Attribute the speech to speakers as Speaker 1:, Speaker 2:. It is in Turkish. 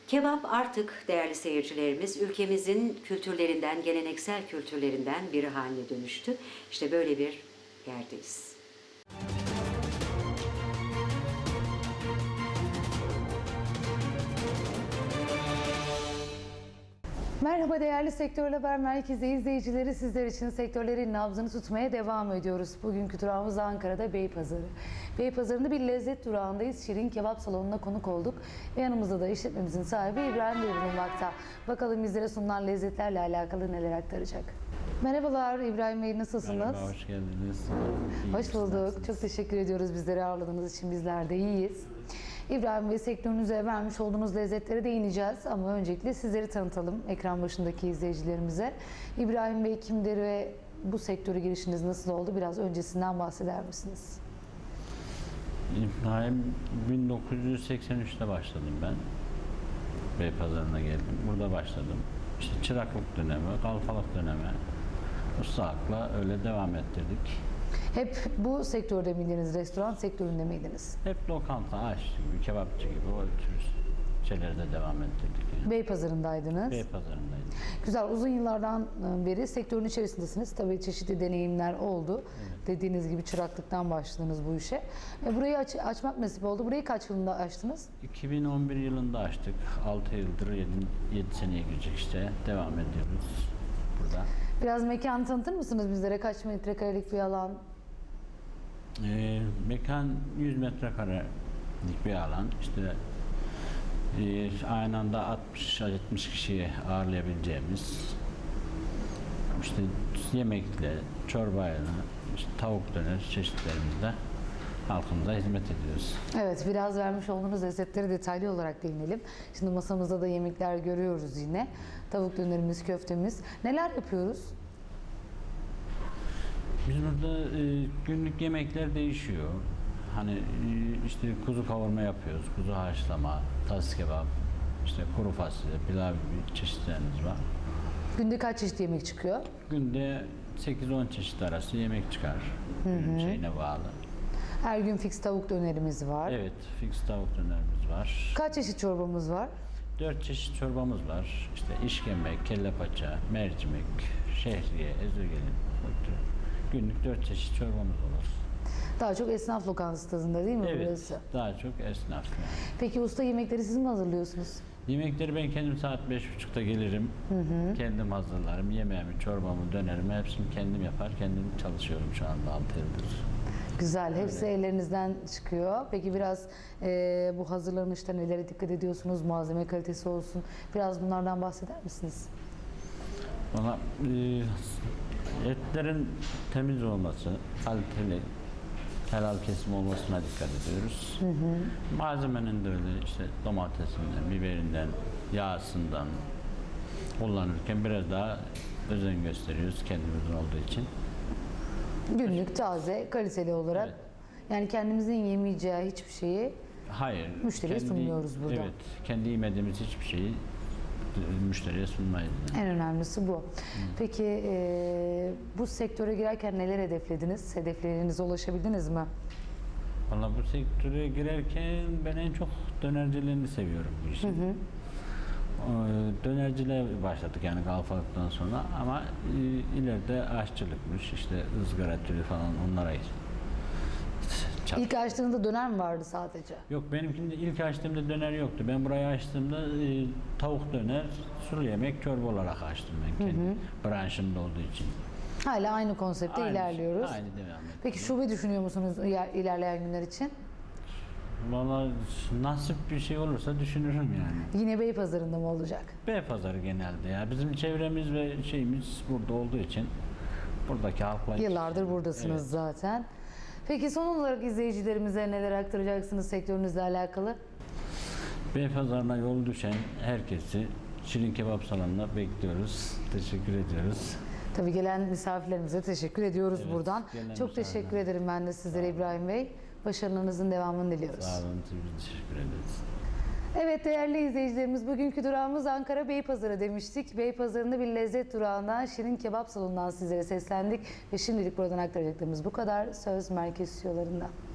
Speaker 1: Kebap artık değerli seyircilerimiz ülkemizin kültürlerinden, geleneksel kültürlerinden biri haline dönüştü. İşte böyle bir yerdeyiz.
Speaker 2: Merhaba değerli Sektör Haber Merkezi izleyicileri, sizler için sektörlerin nabzını tutmaya devam ediyoruz. Bugünkü durağımız Ankara'da Beypazarı. Beypazarı'nda bir lezzet durağındayız. Şirin Kebap Salonu'na konuk olduk. Ve yanımızda da işletmemizin sahibi İbrahim Bey bulunmakta. Bakalım bizlere sunulan lezzetlerle alakalı neler aktaracak. Merhabalar İbrahim Bey, nasılsınız?
Speaker 3: Merhaba, hoş geldiniz.
Speaker 2: Hoş bulduk. Çok teşekkür ediyoruz bizleri ağırladığınız için. Bizler de iyiyiz. İbrahim Bey, sektörünüze vermiş olduğunuz lezzetlere değineceğiz ama öncelikle sizleri tanıtalım ekran başındaki izleyicilerimize. İbrahim Bey kimdir ve bu sektöre girişiniz nasıl oldu? Biraz öncesinden bahseder misiniz?
Speaker 3: İbrahim 1983'te başladım ben. Beypazarı'na geldim. Burada başladım. İşte çıraklık dönemi, kalfalık dönemi, ustalıkla öyle devam ettirdik.
Speaker 2: Hep bu sektörde miydiniz? Restoran sektöründe miydiniz?
Speaker 3: Hep lokanta, aşçı gibi, kebapçı gibi o tür şeylerde devam ettirdik. Yani.
Speaker 2: Beypazarı'ndaydınız.
Speaker 3: Beypazarı'ndaydım.
Speaker 2: Güzel, uzun yıllardan beri sektörün içerisindesiniz. Tabii çeşitli deneyimler oldu.
Speaker 3: Evet.
Speaker 2: Dediğiniz gibi çıraklıktan başladınız bu işe. Burayı açmak nasip oldu. Burayı kaç yılında açtınız?
Speaker 3: 2011 yılında açtık. 6 yıldır 7 seneye girecek işte. Devam ediyoruz burada.
Speaker 2: Biraz mekanı tanıtır mısınız bizlere? Kaç metrekarelik bir alan?
Speaker 3: Mekan 100 metrekarelik bir alan. İşte aynı anda 60-70 kişiyi ağırlayabileceğimiz işte yemekle, çorbayla, işte tavuk döner çeşitlerimizle halkımıza hizmet ediyoruz.
Speaker 2: Evet, biraz vermiş olduğunuz lezzetleri detaylı olarak değinelim. Şimdi masamızda da yemekler görüyoruz yine. Tavuk dönerimiz, köftemiz. Neler yapıyoruz?
Speaker 3: Biz burada günlük yemekler değişiyor. Hani işte kuzu kavurma yapıyoruz, kuzu haşlama, tas kebap, işte kuru fasulye, pilav gibi çeşitlerimiz var.
Speaker 2: Günde kaç çeşit yemek çıkıyor?
Speaker 3: Günde 8-10 çeşit arası yemek çıkar. Günün şeyine bağlı.
Speaker 2: Her gün fix tavuk dönerimiz var.
Speaker 3: Evet, fix tavuk dönerimiz var.
Speaker 2: Kaç çeşit çorbamız var?
Speaker 3: 4 çeşit çorbamız var. İşte işkembe, kelle paça, mercimek, şehriye, ezogelin. Günlük 4 çeşit çorbamız olur.
Speaker 2: Daha çok esnaf lokantası tadında değil mi
Speaker 3: Evet,
Speaker 2: burası?
Speaker 3: daha çok esnaf. Yani.
Speaker 2: Peki usta, yemekleri siz mi hazırlıyorsunuz?
Speaker 3: Yemekleri ben kendim saat 5.30'da gelirim. Kendim hazırlarım. Yemeğimi, çorbamı, dönerimi hepsini kendim yapar. Kendim çalışıyorum şu anda 6 yıldır.
Speaker 2: Güzel. Hepsi ellerinizden çıkıyor. Peki biraz bu hazırlanışta nelere dikkat ediyorsunuz? Malzeme kalitesi olsun. Biraz bunlardan bahseder misiniz?
Speaker 3: Valla etlerin temiz olması, kaliteli, helal kesim olmasına dikkat ediyoruz. Malzemenin de öyle işte domatesinden, biberinden, yağsından kullanırken biraz daha özen gösteriyoruz kendimizin olduğu için.
Speaker 2: Günlük, taze, kaliteli olarak.
Speaker 3: Evet.
Speaker 2: Yani kendimizin yemeyeceği hiçbir şeyi
Speaker 3: Hayır.
Speaker 2: müşteriye sunmuyoruz burada.
Speaker 3: Evet. Kendi yemediğimiz hiçbir şeyi müşteriye sunmayız.
Speaker 2: En önemlisi bu. Peki bu sektöre girerken neler hedeflediniz? Hedeflerinize ulaşabildiniz mi?
Speaker 3: Valla bu sektöre girerken ben en çok dönercilerini seviyorum bu işin. Dönerciliğe başladık yani kalfalıktan sonra ama ileride aşçılıkmış, işte ızgara türü falan onlara
Speaker 2: İlk açtığınızda döner mi vardı sadece?
Speaker 3: Yok, benimkinde ilk açtığımda döner yoktu. Ben burayı açtığımda tavuk döner, sulu yemek, çorba olarak açtım ben kendi branşımda olduğu için.
Speaker 2: Hala aynı konsepte ilerliyoruz.
Speaker 3: Aynı devam ediyor.
Speaker 2: Peki şube düşünüyor musunuz ilerleyen günler için?
Speaker 3: Valla nasip bir şey olursa düşünürüm yani.
Speaker 2: Yine Beypazarı'nda mı olacak?
Speaker 3: Beypazarı genelde ya. Bizim çevremiz ve şeyimiz burada olduğu için buradaki halkla...
Speaker 2: Yıllardır buradasınız
Speaker 3: Evet.
Speaker 2: zaten. Peki son olarak izleyicilerimize neler aktaracaksınız sektörünüzle alakalı?
Speaker 3: Beypazarı'na yol düşen herkesi Şirin Kebap Salonu'na bekliyoruz. Teşekkür ediyoruz.
Speaker 2: Tabii gelen misafirlerimize teşekkür ediyoruz
Speaker 3: Evet,
Speaker 2: buradan.
Speaker 3: gelen
Speaker 2: Çok teşekkür
Speaker 3: misafirler.
Speaker 2: ederim ben de sizlere İbrahim Bey. Başarılarınızın devamını diliyoruz.
Speaker 3: Sağ olun, biz teşekkür ederiz.
Speaker 2: Evet değerli izleyicilerimiz, bugünkü durağımız Ankara Beypazarı demiştik. Beypazarı'nda bir lezzet durağından Şirin Kebap Salonu'ndan sizlere seslendik. Ve şimdilik buradan aktaracaklarımız bu kadar. Söz merkez stüdyolarında.